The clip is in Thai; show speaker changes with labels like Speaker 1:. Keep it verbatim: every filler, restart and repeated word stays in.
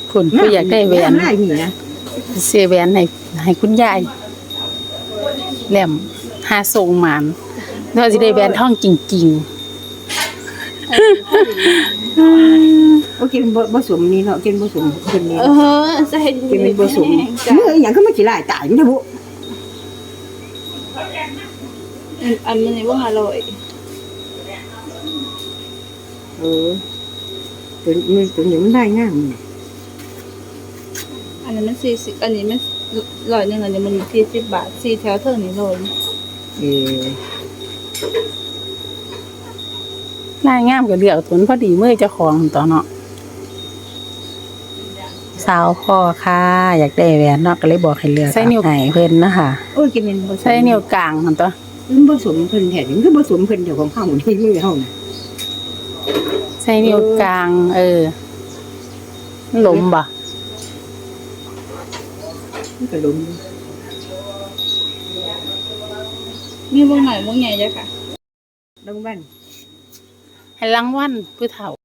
Speaker 1: คุณผู้อยากได้แหวน
Speaker 2: ได้หนีนะ
Speaker 1: เสียแหวนให้ให้คุณยายแหลมหาทรงหมานน่าสิได้แหวนทองจริงๆ
Speaker 2: โอเคเป็นบ่สมนี่เนาะกินบ่สมคนนี้
Speaker 3: เออจะเห็น
Speaker 2: กินเป็นบ่สมเมื่ออย่างก็มาขี้ลายตายอยู่นะบุ
Speaker 3: อันนี้ว่าอร่อย
Speaker 2: เออตัวนี้ตัวนี้มันได้งาม
Speaker 3: อันนี้มันสี่สิบอันนี้มันร้อยหนึ่งอันนี้มันสี่สิบบาทสี่แถวเท่านี้เลย
Speaker 2: เออ
Speaker 1: ลายงามก็เลือกตัวพอดีมือเจ้าของตัวเนาะสาวพ่อค่ะอยากได้แหวนเนาะก็เลยบอกให้เลือกใส่นิ้วไหนเพิ่นนะคะ
Speaker 2: โอ้ยกินเป็นบ่สม
Speaker 1: ใส่นิ้วกลางหั่นตัว
Speaker 2: มันบ่สมเพิ่นแท้มันคือบ่สมเพิ่นเดี๋ยวของเฮานี่มือเฮาน่ะ
Speaker 1: ใส่นิ้วกลาง เออหลมบ่
Speaker 2: มันก็ล้ม
Speaker 3: มีวงไหนวงใหญ่จ้ะค่ะ
Speaker 2: ลงบ้าน
Speaker 1: ให้รางวัลผู้เฒ่า